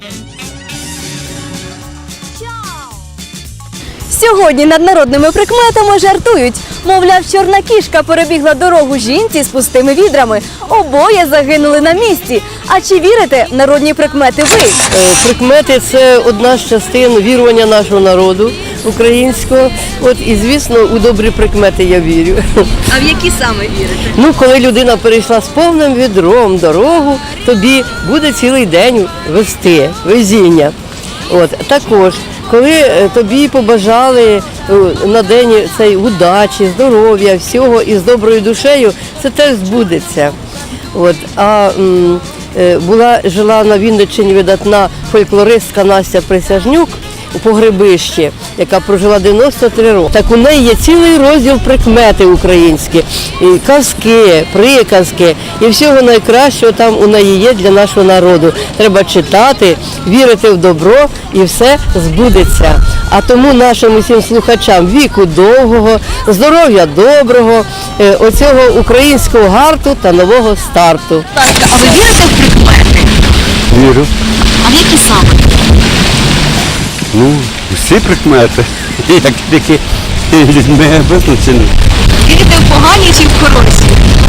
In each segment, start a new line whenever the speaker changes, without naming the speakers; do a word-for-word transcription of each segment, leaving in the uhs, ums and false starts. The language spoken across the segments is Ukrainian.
Сьогодні над народними прикметами жартують. Мовляв, чорна кішка перебігла дорогу жінці з пустими відрами. Обоє загинули на місці. А чи вірите в народні прикмети ви?
Прикмети – це одна з частин вірування нашого народу українського. От і, звісно, у добрі прикмети я вірю.
А в які саме вірите?
Ну, коли людина перейшла з повним відром дорогу, тобі буде цілий день вести, везіння. От, також, коли тобі побажали на день цей удачі, здоров'я, всього і з доброю душею, це теж збудеться. От, а м, була, жила на Вінниччині видатна фольклористка Настя Присяжнюк у Погребищі, яка прожила дев'яносто три роки. Так у неї є цілий розділ прикмети українські, і казки, приказки, і всього найкращого там у неї є для нашого народу. Треба читати, вірити в добро і все збудеться. А тому нашим усім слухачам віку довгого, здоров'я доброго, оцього українського гарту та нового старту.
А ви вірите в прикмети?
Вірю.
А в які саме?
Ну, всі прикмети, як такі людьми визначені.
Вірите в погані чи в хороші?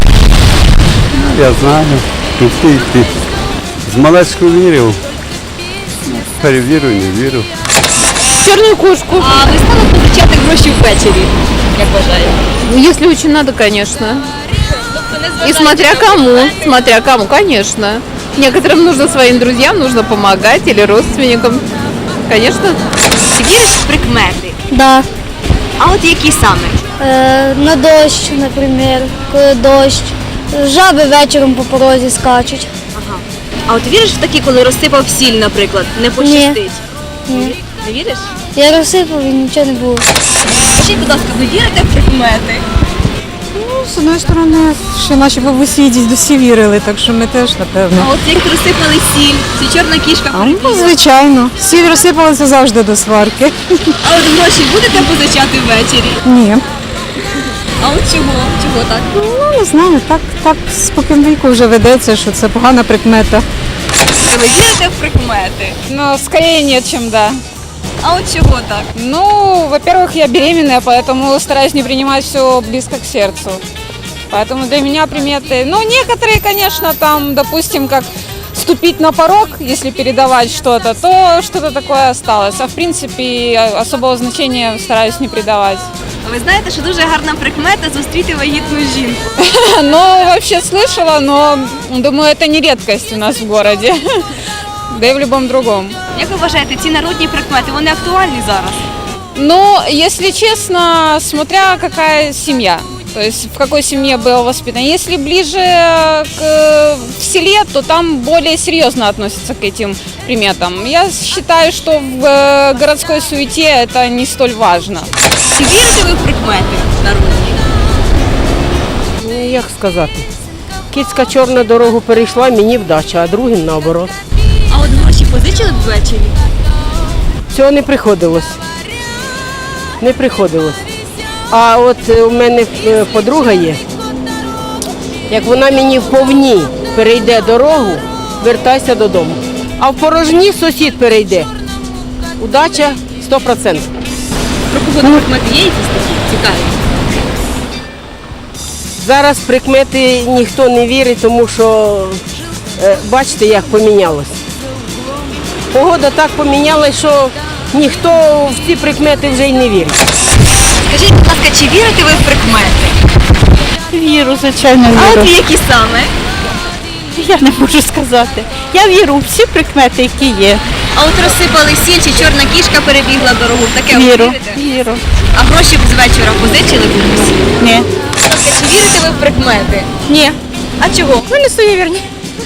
Я знаю, всі ті. З малечку вірив, перевірю, не вірю.
Черную кошку.
А ви стали позичати гроші ввечері, як вважаєте?
Ну, если очень надо, конечно. И смотря кому, смотря кому, конечно. Некоторым нужно своим друзьям, нужно помогать или родственникам. Конечно.
Чи віриш в прикмети?
Да.
А от які саме?
Е, на дощ, наприклад, коли дощ. Жаби вечором по порозі скачуть.
Ага. А от віриш в такі, коли розсипав сіль, наприклад, не пощастить?
Ні.
Не віриш?
Я розсипав і нічого не було.
Скажіть, будь ласка, ви вірите в прикмети?
З одної сторони, ще наші бабусі дідусі вірили, так що ми теж, напевно.
А от як розсипали сіль, чи чорна кішка
А ну,
перебігла?
звичайно. Сіль розсипалися завжди до сварки.
А от гроші будете позичати ввечері?
Ні.
А от чого? Чого так?
Ну, не знаю, так, так споконвіку вже ведеться, що це погана прикмета.
Ви вірите в прикмети?
Ну, скорее нет, чем да.
А от чого так?
Ну, во-первых, я беременная, поэтому стараюсь не принимать все близко к сердцу. Поэтому для меня приметы, ну, некоторые, конечно, там, допустим, как ступить на порог, если передавать что-то, то что-то такое осталось. А в принципе, особого значения стараюсь не придавать.
Ви знаєте, що дуже гарна прикмета зустріти вагітну жінку.
Ну, вообще слышала, но думаю, это не редкость у нас в городе. Да и в любом другом.
Як ви вважаєте, ці народні прикмети, вони актуальні зараз?
Ну, если честно, смотря какая семья, то есть в какой семье было воспитано. Если ближе к, в селе, то там более серьезно относятся к этим приметам. Я считаю, что в э, городской суете это не столь важно.
Чи вірите ви в прикмети народні?
Як сказати? Кицька чорна дорогу перейшла, мені вдача, а другим наоборот.
А от гроші позичили б ввечері?
Цього не приходилось. Не приходилось. А от е, у мене е, подруга є. Як вона мені в повні перейде дорогу, вертайся додому. А в порожні сусід перейде. Удача сто відсотків.
Про погоду прикмети є якісь такі цікаві?
Зараз прикмети ніхто не вірить, тому що е, бачите, як помінялось. Погода так помінялась, що ніхто в ці прикмети вже й не вірить.
Скажіть, будь ласка, чи вірите ви в прикмети?
Віру, звичайно,
А
віру.
от в які саме?
Я не можу сказати. Я вірю в всі прикмети, які є.
А от розсипали сіль, чи чорна кішка перебігла дорогу, в таке ви
Віру,
вірите?
віру.
А гроші б з вечора позичили комусь?
Ні.
Будь ласка, чи вірите ви в прикмети?
Ні.
А чого?
Ми не суєвірні.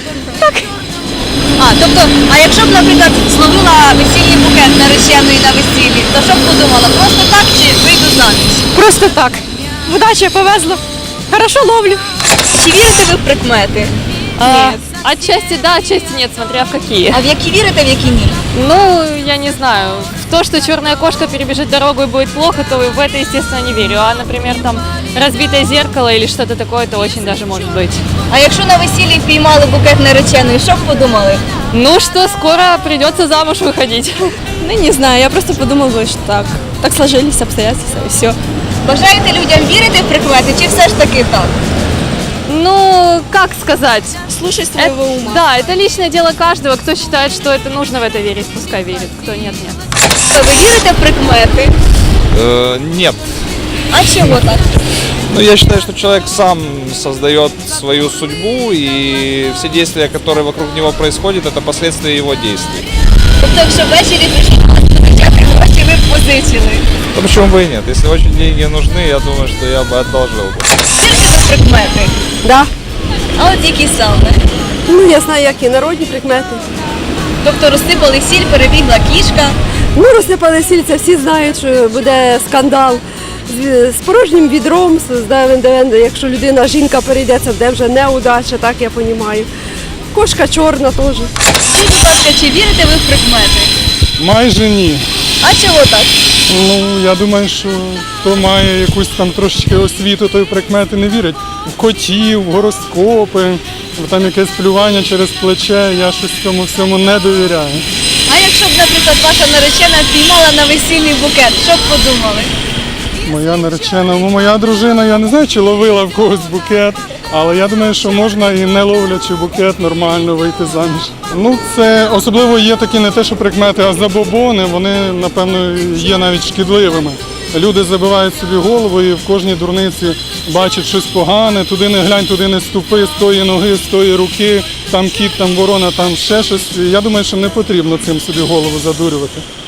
А, тобто, а якщо б, наприклад, зловила весільний букет нареченої на весіллі, то що б подумала? Просто так чи вийду заміж?
Просто так. Вдача повезла. Хорошо ловлю.
Чи вірите ви в прикмети?
А,
Отчасти да, отчасти нет, смотря в какие.
А в які вірите, в які ні?
Ну, я не знаю. В то, что черная кошка перебежит дорогу и будет плохо, то в это, естественно, не верю. А, например, там разбитое зеркало или что-то такое, то очень даже может быть.
А якщо на весіллі впіймали букет нареченої, що б подумали?
Ну что, скоро придется замуж выходить.
Ну, не знаю, я просто подумала, що так. Так сложились обстоятельства, і все.
Бажаєте людям вірити в прикмети, чи все ж таки так?
Ну, как сказать?
Слушай
Это-
своего ума.
да, это личное дело каждого. Кто считает, что это нужно в это верить, пускай верит. Кто нет, нет.
То ви вірите в прикмети?
Э, нет.
А чого так?
Ну, я считаю, что человек сам создает свою судьбу, и все действия, которые вокруг него происходят, это последствия его действий.
Тобто, якщо ввечері прийшли позичати гроші, ви б позичили.
Ну, почему бы и нет? Если очень деньги нужны, я думаю, что я бы одолжил бы.
Вірите ви в прикмети?
Да.
А от які саме?
Ну, я знаю, які народні прикмети.
Тобто розсипали сіль, перебігла кішка.
Ну, розсипали сільця, всі знають, що буде скандал з, з порожнім відром, з, де, де, якщо людина, жінка перейде, це буде вже неудача, так я розумію. Кошка чорна теж.
Скажіть, будь ласка, чи вірите ви в прикмети?
Майже ні.
А чого так?
Ну, я думаю, що хто має якусь там трошечки освіту, той в прикмети не вірить. В котів, в гороскопи, в там якесь плювання через плече, я щось цьому всьому не довіряю.
А якщо б, наприклад, ваша наречена впіймала на весільний букет, що б подумали?
Моя наречена, ну моя дружина, я не знаю, чи ловила в когось букет, але я думаю, що можна і не ловлячи букет нормально вийти заміж. Ну, це особливо є такі не те, що прикмети, а забобони, вони, напевно, є навіть шкідливими. Люди забивають собі голову і в кожній дурниці бачать щось погане, туди не глянь, туди не ступи, з тої ноги, з тої руки, там кіт, там ворона, там ще щось. Я думаю, що не потрібно цим собі голову задурювати.